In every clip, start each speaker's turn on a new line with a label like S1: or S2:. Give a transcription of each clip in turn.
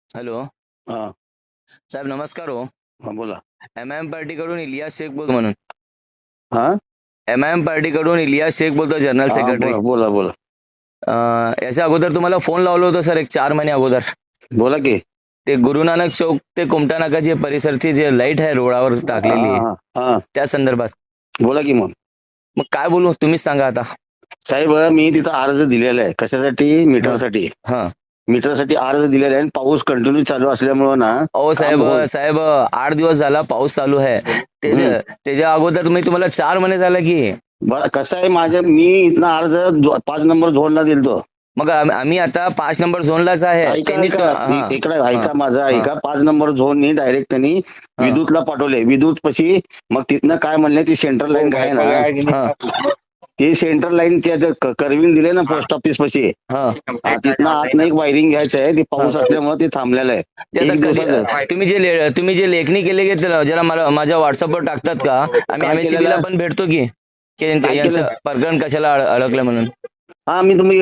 S1: Hello
S2: हा
S1: साहेब, नमस्कार हो.
S2: हा बोला.
S1: एम पार्टीकडून इलियास शेख बोलतो म्हणून.
S2: हा
S1: पार्टीकडून इलियास शेख बोलतो, जनरल
S2: हा
S1: सेक्रेटरी.
S2: बोला बोला बोला
S1: याच्या अगोदर तुम्हाला फोन लावलो होतो सर, एक 4 महिने अगोदर.
S2: बोला की.
S1: ते गुरु नानक चौक ते कुमटा नाका जे परिसरची जे लाईट आहे रोडावर
S2: हा
S1: टाकलेली आहे,
S2: हा हा
S1: त्या संदर्भात.
S2: बोला की. मग
S1: मग काय बोलू, तुम्हीच सांगा आता.
S2: साहेब, मी तिथं अर्ज दिलेला आहे. कशासाठी?
S1: हा
S2: मीटरसाठी.
S1: हा.
S2: मीटरसाठी अर्ज दिलेला आहे आणि पाऊस कंटिन्यू चालू असल्यामुळं ना
S1: ओ
S2: काम
S1: साहेब,
S2: होत.
S1: साहेब 8 दिवस झाला पाऊस चालू आहे.
S2: हम्म.
S1: त्याच्या अगोदर तुम्हाला 4 महिने झाला की.
S2: बरं, कसं आहे, मी इथनं अर्ज 5 नंबर झोनला दिलतो.
S1: मग आम्ही आता 5 नंबर झोनलाच आहे.
S2: ऐका
S1: त्यांनी
S2: ऐका
S1: हा
S2: इकडे
S1: हा
S2: ऐका, माझं
S1: हा
S2: ऐका. 5 नंबर झोननी डायरेक्ट त्यांनी
S1: हा
S2: विद्युतला पाठवले. विद्युत पशी मग तिथनं काय म्हणले, ती सेंट्रल लाईन काय आहे ना,
S1: हा
S2: ते सेंट्रल लाईन त्या करवीन दिले ना पोस्ट ऑफिस पशी.
S1: हा.
S2: तिथनं आत एक वायरिंग घ्यायचं आहे. ते पाऊस असल्यामुळे ते थांबलेलं आहे.
S1: ते आता
S2: एक
S1: कधी
S2: दिवसाचं.
S1: तुम्ही जे लेखणी केले की जरा मला माझ्या व्हॉट्सअपवर टाकतात का? आम्ही
S2: काय
S1: MSCB ला
S2: केलेलं?
S1: पण भेटतो की
S2: काय
S1: यांचं
S2: केलं?
S1: प्रकरण कशाला अडकलं म्हणून.
S2: हा,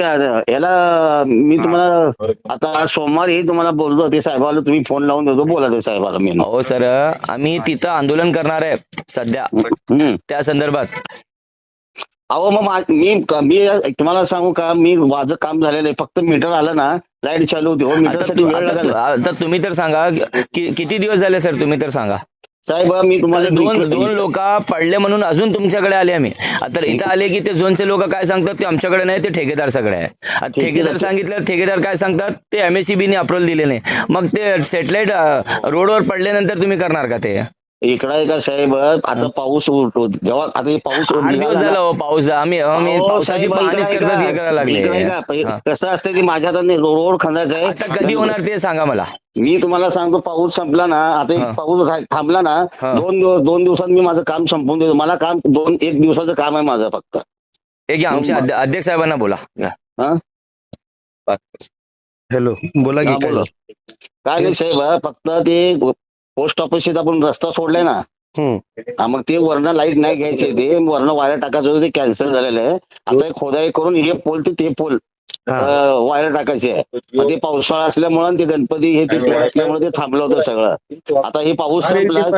S2: मी तुम्हाला आता सोमवारी तुम्हाला बोललो, ते साहेबाला तुम्ही फोन लावून देतो, बोला ते साहेबाला मी.
S1: अहो सर, आम्ही तिथं आंदोलन करणार आहे सध्या,
S2: हम्म.
S1: त्या संदर्भात.
S2: अहो मग मी तुम्हाला सांगू का, मी माझं काम झालेलं आहे. फक्त मीटर आलं ना, लाईट चालू होती. हो, मीटरसाठी वेळ लागेल.
S1: आता तुम्ही तर सांगा, किती दिवस झाले सर, तुम्ही तर सांगा.
S2: साहेब, मी तुम्हाला
S1: दोन लोक पडले म्हणून अजून तुमच्याकडे आले आम्ही. आता इथं आले की ते झोनचे लोक काय सांगतात, ते आमच्याकडे नाही, ते ठेकेदार सगळे आहे. आता ठेकेदार सांगितलं, ठेकेदार काय सांगतात, ते MSCB ने अप्रूव्हल दिले नाही. मग ते सॅटेलाइट रोडवर पडल्यानंतर तुम्ही करणार का ते?
S2: इकडं आहे का साहेब, आता पाऊस उठतो जेव्हा, आता हे पाऊस
S1: 8 दिवस
S2: निघाला
S1: झाला
S2: ना.
S1: हो पाऊस. आम्ही पावसाची पाहणीच करतात, हे करायला लागले.
S2: कसं असतं, की माझ्या हातात रोड खंदायचा आहे.
S1: आता कधी होणार ते सांगा मला.
S2: मी तुम्हाला सांगतो, पाऊस संपला ना, आता एक
S1: हा.
S2: पाऊस थांबला ना,
S1: हा.
S2: 2 दिवसात मी माझं काम संपवून देतो. मला काम 1 दिवसाचं काम आहे माझं फक्त.
S1: हे घ्या, आमच्या अध्यक्ष साहेबांना बोला.
S2: हा
S3: हॅलो, बोला की.
S2: हा,
S3: काय
S2: बोला. काय नाही साहेब, फक्त ते पोस्ट ऑफिसचे आपण रस्ता सोडलाय ना, मग ते वरनं लाईट नाही घ्यायचे, ते वरनं वायर टाकायचं होतं, ते कॅन्सल झालेलं आहे. आता खोदाई करून हे पोल ते पोल वायर टाकायचे आहे. मग ते पावसाळा असल्यामुळे, ते गणपती हे ते पोल असल्यामुळे ते थांबलं होतं सगळं. आता हे पाऊस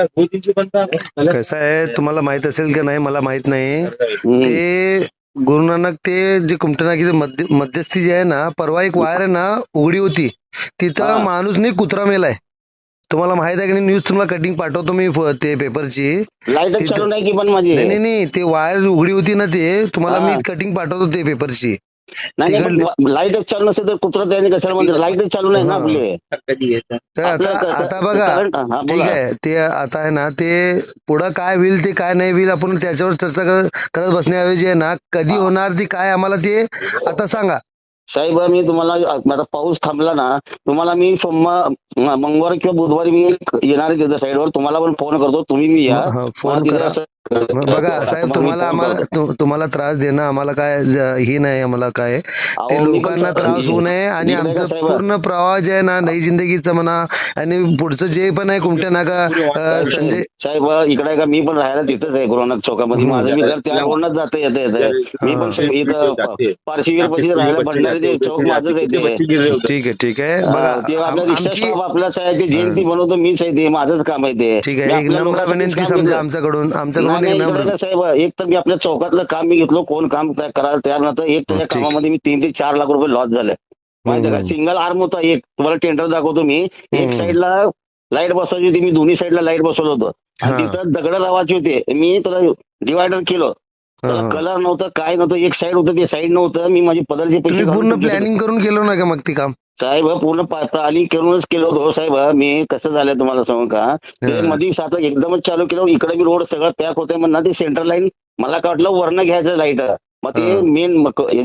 S2: संपला.
S3: कसं आहे, तुम्हाला माहित असेल की नाही मला माहित नाही.
S2: हम्म.
S3: ते गुरु नानक, ते जे कुमटनाकीचे मध्यस्थी जे आहे ना, परवा एक वायर आहे ना उघडी होती, तिथं माणूस नाही कुत्रा मेलाय. तुम्हाला माहित आहे की नाही? न्यूज तुम्हाला कटिंग पाठवतो मी, ते पेपरची.
S2: लाईट चालू नाही की पण माझी.
S3: नाही, ते वायर उघडी होती ना, ते तुम्हाला मी कटिंग पाठवतो ते पेपरची.
S2: नाही, लाईटच चालू नसेल तर कुत्रा त्याने कशाला म्हणतात? लाईटच चालू नाही ना आपली.
S3: तर आता बघा, ठीक आहे, ते आता आहे ना, ते पुढं काय होईल ते काय नाही होईल, आपण त्याच्यावर चर्चा करत बसण्याऐवजी आहे ना, कधी होणार ती काय आम्हाला ते आता सांगा.
S2: साहेब, मी तुम्हाला आता पाऊस थांबला ना, तुम्हाला मी मंगळवार किंवा बुधवारी मी येणार आहे तिथं साईडवर, तुम्हाला पण फोन करतो, तुम्ही मी या.
S3: फोन करा. बघा साहेब, तुम्हाला त्रास देणं आम्हाला काय ही नाही, आम्हाला काय ते लोकांना त्रास होऊ नये, आणि आमचं पूर्ण प्रवाह जे आहे ना, नई जिंदगीचं म्हणा, आणि पुढचं जे पण आहे कुमटे नाका संजय
S2: साहेब, इकडे का मी पण राहायला तिथंच आहे गुरुनानक चौकामध्ये. माझं मी त्या रोडनच जातं येतं. मी पण इथं पारशीवीर पशी राहायला भंडारी चौक माझंच आहे ते.
S3: ठीक आहे.
S2: बघा, ते आपल्या रिक्षा स्टॉप आपलाच आहे, ते जयंती बनवतो मीच आहे, ते माझंच काम आहे ते.
S3: ठीक आहे, एक नम्र विनंती समजा आमच्याकडून.
S2: साहेब, एक तर मी आपल्या चौकातलं काम मी घेतलो, कोण काम करायला तयार नव्हतं. एक तर त्या कामामध्ये मी 3 ते 4 लाख रुपये लॉस झाले, माहिती का? सिंगल आर्म होता एक, तुम्हाला टेंडर दाखवतो मी. एक साईडला लाईट बसवायची होती, मी दोन्ही साईडला लाईट बसवलं होतं, आणि तिथं दगड लावायचे होते. मी त्याला डिवायडर केलं, त्याला कलर नव्हतं, काय नव्हतं. एक साईड होतं, ते साईड नव्हतं. मी माझी पदरचे पैसे
S3: पूर्ण प्लॅनिंग करून केलं ना का मग ते काम?
S2: साहेब, पूर्ण प्लॅनिंग करूनच केलं होतं साहेब. मी कसं झालं तुम्हाला सांगू का, ते मध्ये सात एकदमच चालू केलं. इकडे मी रोड सगळं पॅक होते म्हणणार, ते सेंट्रल लाईन मला काय वाटलं वरनं घ्यायचं लाईट. मग ते मेन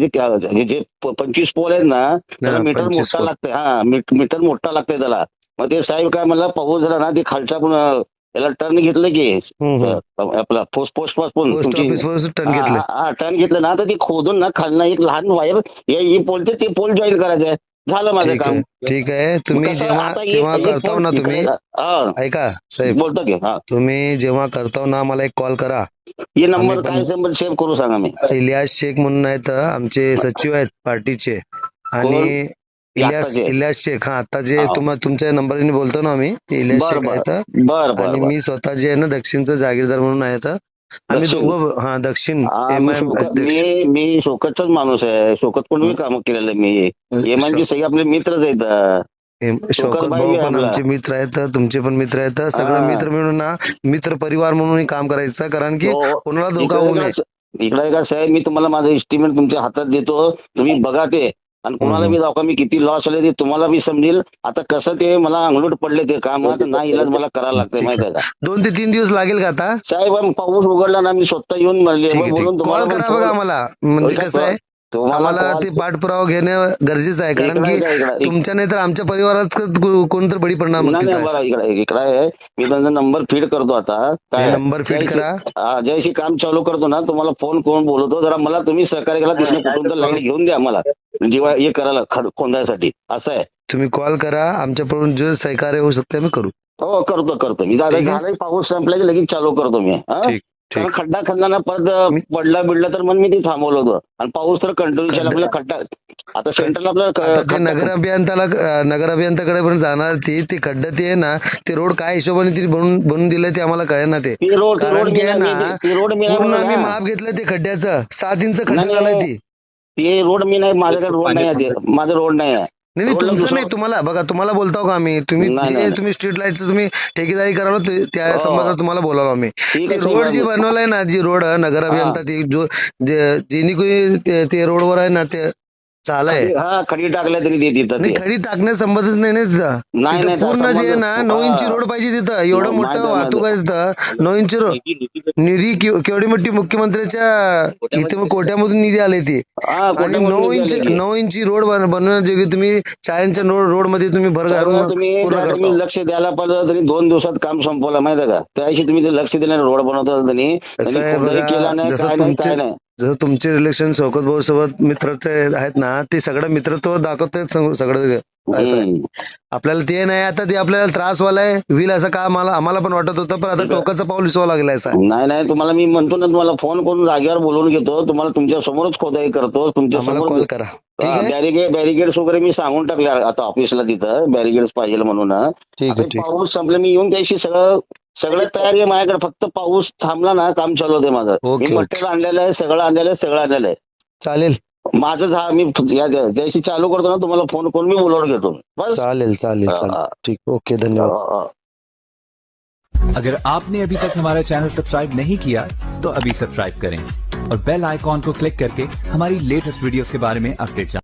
S2: जे 25 पोल आहेत ना, त्याला मीटर मोठा लागतंय. मीटर मोठा लागतंय त्याला. मग ते साहेब काय मला पाऊस झाला ना, ते खालचा पण त्याला टर्न घेतलं की आपला पोस्ट पासून टर्न घेतलं ना, तर ते खोदून ना खालना एक लहान वायर हे पोलते, ते पोल जॉईन करायचंय. झालं माझं काम.
S3: ठीक आहे. तुम्ही जेव्हा करताव ना, तुम्ही ऐका साहेब,
S2: बोलतो की
S3: तुम्ही जेव्हा करताव ना, मला एक कॉल करा.
S2: हे नंबर काय नंबर सेव्ह करू सांगा. मी
S3: इलियास शेख म्हणून आहेत, आमचे सचिव आहेत पार्टीचे, आणि इलियास शेख, हा आता जे
S2: हा.
S3: तुमच्या नंबरने बोलतो ना आम्ही, ते इलियास
S2: बर
S3: शेख
S2: बर
S3: आहेत.
S2: बर बर
S3: आणि
S2: बर.
S3: मी स्वतः जे आहे ना दक्षिणचा जागीरदार म्हणून आहेत. आम्ही
S2: दक्षिण.
S3: दोघं, हा दक्षिण
S2: हा,
S3: एम
S2: मी
S3: आय
S2: शोकत मी शोकतचाच माणूस आहे. शोकत कडून मी काम केलेलं आहे मी. एमआयचे सगळे आपले मित्रच आहेत.
S3: शौकत
S2: भाई
S3: भाऊ
S2: आहे
S3: पण
S2: आपला.
S3: आमचे मित्र आहेत, तुमचे पण मित्र आहेत. सगळं
S2: हा.
S3: मित्र मिळून ना मित्र परिवार म्हणून काम करायचं, कारण की
S2: हो.
S3: कोणाला धोका
S2: इकडे
S3: होऊ
S2: का
S3: नये.
S2: इकडे का साहेब, मी तुम्हाला माझं एस्टिमेट तुमच्या हातात देतो, तुम्ही बघा ते. आणि कोणाला बी दाखवा मी किती लॉस आले ते तुम्हाला बी समजेल. आता कसं ते मला अंगलूट पडले ते कामात, ना इलाज मला करायला लागतंय
S3: ठीक
S2: माहिती आहे का
S3: 2 ते 3 दिवस लागेल का आता?
S2: साहेब? पाऊस उघडला ना, मी स्वतः येऊन
S3: ठीक आहे,
S2: बोलून तुम्हाला
S3: कॉल
S2: पण
S3: करा बघा आम्हाला. म्हणजे कसं आहे,
S2: तुम्हाला
S3: आम्हाला
S2: call-
S3: ते पाठपुरावा घेणं गरजेचं आहे, कारण की
S2: इकडं-
S3: तुमच्या नाही तर आमच्या परिवारात कोणतर बळी पडणार मग
S2: नाही
S3: तिथं
S2: नाही,
S3: असं.
S2: बरं इकडे आहे. मी त्यांचा नंबर फीड करतो आता.
S3: हे नंबर feed करा.
S2: जयशी काम चालू करतो ना, तुम्हाला फोन करून बोलवतो. जरा मला तुम्ही सहकार्य केला, तिथनं कुठून तर लाईट घेऊन द्या मला, जेव्हा हे करायला खोंदायसाठी. असं आहे.
S3: तुम्ही कॉल करा, आमच्याकडून जे सहकार्य होऊ शकते आम्ही करू.
S2: हो, करतो मी. दादा
S3: ठीक आहे.
S2: झालाय, पाऊस संपला की लगेच चालू करतो मी. हा?
S3: ठीक
S2: कारण
S3: ठीक
S2: खड्डा खणला परत पडला तर मग मी ते थांबवलं होतं. आणि पाऊस तर कंटिन्यू चालला, आपल्याला खड्डा आता सेंटरला
S3: आता ते
S2: आपल्याला
S3: नगर अभियंताकडे पण जाणार ते खड्डा ते आहे ना, ते रोड काय हिशोबाने ती बनवून दिलंय ते आम्हाला कळेल ना. ते
S2: रोड
S3: कारण की आहे ना,
S2: रोड मी
S3: पूर्ण आम्ही
S2: नाही
S3: माप घेतलं ते खड्ड्याचं, 7 इंच खड्डा
S2: नाही,
S3: झालाय
S2: नाही.
S3: ती.
S2: ते रोड मी नाही, माझ्याकडे रोड नाही आहे. ते माझं रोड नाही आहे.
S3: नाही
S2: रोडला
S3: तुमचं
S2: दुसरं-
S3: नाही, तुम्हाला बघा, तुम्हाला बोलतो का आम्ही,
S2: नाही, नाही.
S3: तुम्ही स्ट्रीट लाईटचं तुम्ही ठेकेदारी कराल त्या
S2: हो.
S3: संबंधात तुम्हाला बोलावं आम्ही.
S2: ठीक
S3: ते
S2: आहे,
S3: रोड
S2: साहेब.
S3: जी बनवलाय ना, जी रोड नगर अभियंता ती जेनी कोणी ते रोडवर आहे ना, ते चालय.
S2: हा, खडी टाकल्या तरी ते तिथं
S3: नाही,
S2: ते.
S3: खडी टाकण्यास संबंधच नाही ना तिथं.
S2: नाही,
S3: तिथं
S2: नाही,
S3: पूर्ण
S2: त्याचा
S3: जे आहे ना
S2: संबंध-
S3: 9 इंची
S2: हा.
S3: रोड पाहिजे तिथं. एवढं
S2: हो,
S3: मोठं
S2: माहिती आहे,
S3: वाहतूक आहे तिथं. 9 इंची रोड निधी केवढी मोठी मुख्यमंत्र्याच्या इथे कोट्यामधून निधी आले ती.
S2: हा,
S3: आणि
S2: कोट्यामधून
S3: 9
S2: निधी
S3: इंच
S2: आले की.
S3: 9 इंची रोड बनवण्याची तुम्ही 4 इंच रोड मध्ये तुम्ही भर
S2: त्यामुळे
S3: घालून
S2: तुम्ही
S3: पूर्ण
S2: त्या
S3: करता.
S2: तुम्ही लक्ष द्यायला पाहिजे. तरी 2 दिवसात काम संपवलं माहिती आहे का? त्याशी तुम्ही ते लक्ष दिलं, रोड बनवता त्यांनी
S3: कसं आहे
S2: खोदाई
S3: बघा,
S2: केला नाही,
S3: जसं
S2: काय नाही, काय नाही.
S3: जसं तुमचे रिलेशन शौकत भाऊ सोबत मित्रचे आहेत ना, ते सगळं मित्रत्व दाखवतात सगळं. असं आहे.
S2: हम्म.
S3: आपल्याला ते नाही, आता ते आपल्याला त्रासवालाय होईल असं का आम्हाला पण वाटत होतं, पण आता टोकाचं पाऊल उचलावं लागलं असं.
S2: नाही, तुम्हाला मी म्हणतो ना, तुम्हाला फोन करून जागेवर बोलवून घेतो. तुम्हाला तुमच्या समोरच खोदाई करतो. तुमच्या
S3: आम्हाला
S2: समोर
S3: कॉल करा. ठीक आहे,
S2: बॅरिगेड्स वगैरे मी सांगून टाकले आता ऑफिसला, तिथं बॅरिगेड्स पाहिजे म्हणून.
S3: ठीक
S2: आता
S3: आहे, ठीक.
S2: पाऊस संपला, मी येऊन त्याशी सगळं तयारी आहे माझ्याकडे. फक्त पाऊस थांबला ना, काम चालू होते माझं.
S3: ओके,
S2: मी मटेरियल आणलेलं आहे, सगळं आणलेलं आहे.
S3: चालेल
S2: माझं मी त्याशी चालू करतो ना, तुम्हाला फोन करून मी बोलवून घेतो. बस.
S3: चालेल चालेल चालेल. ठीक, ओके, धन्यवाद.
S4: अगर आपने अभी तक हमारा चैनल सब्सक्राइब नहीं किया तो अभी सब्सक्राइब करें और बेल आइकॉन को क्लिक करके हमारी लेटेस्ट वीडियोस के बारे में अपडेट जानें।